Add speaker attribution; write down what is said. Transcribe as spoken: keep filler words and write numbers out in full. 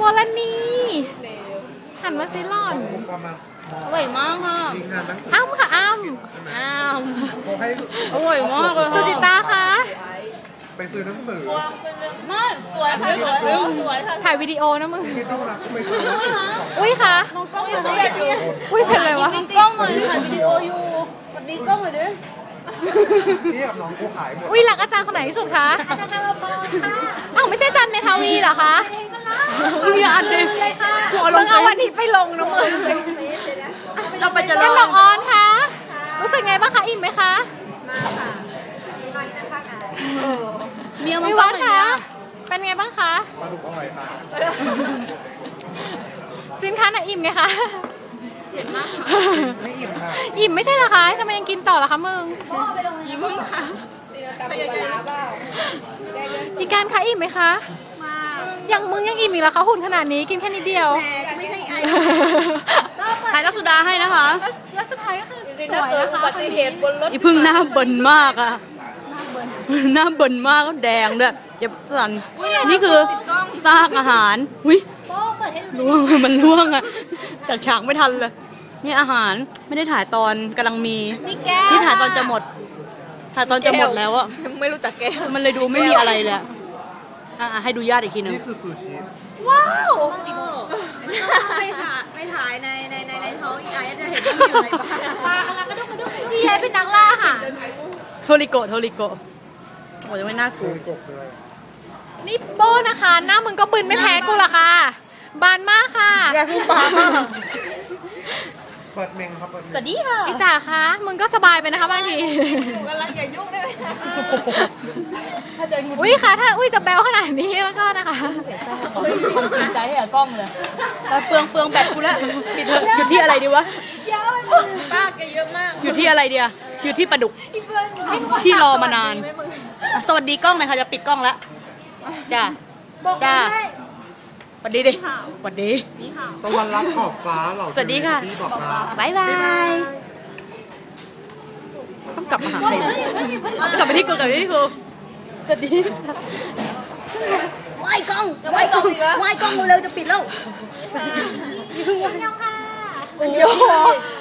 Speaker 1: ลนีหันมาซิหล่อนอร่อยมากค่ะอ้ำค่ะอ้ำอ้ำอร่อยมากเลยสุจิตาคะ
Speaker 2: ไปซื้อหนังสือ
Speaker 1: มาสวยค่ะสวยสวยค่ะถ่ายวิดีโอนะมึงอุ้ยค่ะมองกล้องอยู่อุ้ยเป็นไรวะกล้องหน่อยถ่ายวิดีโออยู่สวัสดีกล้องหน่อยดิ
Speaker 2: นี่กับน้องกูขายหมด
Speaker 1: อุ้ยหลักอาจารย์คนไหนที่สุดคะอาจารย์ธรรมพรค่ะอ้าวไม่ใช่อาจารย์เมทาวีเหรอคะมึงอย่าอันเลยกูเอาลงเอาวันนี้ไปลงนะมึงเราไปจะลงดอกออนค่ะรู้สึกไงบ้างคะอิ่มไหมคะเมียมันวัดคะเป็นไงบ้างคะ
Speaker 2: ปลาดุกอร่อยค่ะ
Speaker 1: สินค้าไหนอิ่มไงคะ
Speaker 2: เห็นมากไม่อิ่มค่ะ
Speaker 1: อิ่มไม่ใช่เหรอคะทำไมยังกินต่อล่ะคะมึงอิ่มมึงค่ะอีการคะอิ่มไหมคะมาอย่างมึงยังอิ่มอีกเหรอคะหุ่นขนาดนี้กินแค่นิดเดียวไม่ใช่ไอ้ถ่ายรักสุดาให้นะคะแล้วสุดท้ายก็คือสวยนะคะอุบัติเหตุบนรถ
Speaker 3: อีพึ่งหน้าเบิ่นมากอะหน้าเบิ่นมากแดงด้วยอย่าสั่นนี่คือซากอาหารอุ้ยล่วงมันล่วงอะจัดฉากไม่ทันเลยนี่อาหารไม่ได้ถ่ายตอนกำลังมีนี่ถ่ายตอนจะหมดถ่ายตอนจะหมดแล้วอะ
Speaker 1: ไม่รู้จักแก
Speaker 3: มันเลยดูไม่มีอะไรเลยอ่ะให้ดูญาติอีกทีนึง
Speaker 2: นี่คือซูชิ
Speaker 1: ว้าว
Speaker 4: ไม่ถ่ายไม่ถ่ายในในในในท้องอีไอจะเห็นว่าอยู่ในบ้าน
Speaker 1: ปลากำลังกระดุกกระดุกพี่ไอเป็นนักล่าค่ะ
Speaker 3: โทริโกะโทริโกะโอ้ยไม่น่ากลัว
Speaker 1: นี่โบ้นะคะหน้ามึงก็บึนไม่แพ้กูหรอกค่ะบานมากค่ะ
Speaker 3: อยากพูดบานมาก
Speaker 2: เปิดเมงครับ
Speaker 1: สวัสดีค่ะพี่จ๋าคะมึงก็สบายไปนะคะบางที
Speaker 4: อยู่กันแล้วอย่ายุ่งได้ไหม
Speaker 1: อุ้ยค่ะถ้าอุ้ยจะแบลขนาดนี้แล้วก็นะคะ
Speaker 3: ความจริงใจให้กล้องเลยแต่เปลืองเปลืองแบตกูแล้วปิดเถอะอยู่ที่อะไรดีวะ
Speaker 4: เยอะไปป้าแกเยอะมาก
Speaker 3: อยู่ที่อะไรเดียอยู่ที่ปลาดุกที่รอมานานสวัสดีกล้องหน่อยค่ะจะปิดกล้องแล้วจ้าจ้าสวัสดีดิสวัสดี
Speaker 2: ตะวันรับขอบฟ้าเหล่า
Speaker 3: สวัสดีค่ะ
Speaker 1: บ๊ายบาย
Speaker 3: ต้องกลับมาหาใครกลับไปที่กูกลับไปที่กูสวัสดี
Speaker 4: ไหว้กล้องไหว้กล้องไหว้กล้องเร็วจะปิดแล้ว
Speaker 1: ยังค่ะ
Speaker 3: โอ้